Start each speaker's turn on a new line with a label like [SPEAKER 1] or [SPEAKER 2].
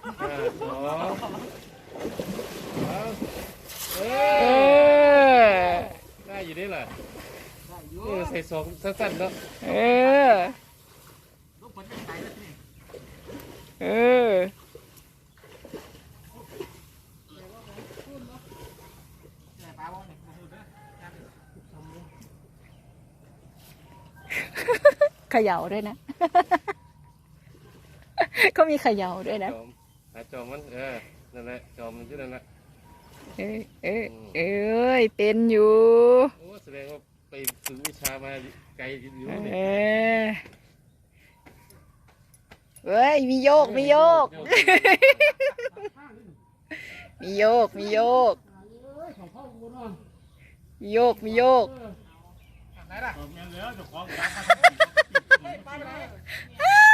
[SPEAKER 1] สองเออได้อยู่นี่แหละใส่สองสั้นๆเนาะ
[SPEAKER 2] เออเขย่าด้วยนะเขามีเขย่าด้วยนะ
[SPEAKER 1] จอมมันนั่นแหละจอมมันที่นั่นแหละ
[SPEAKER 2] เป็นอยู่
[SPEAKER 1] โอ้แสดงว่าไปฝึกวิชามาไกลอยู่นี่
[SPEAKER 2] เฮ้ยมีโยกมีโยกมีโยกมีโยกมีโยกมีโยกไหนล่ะ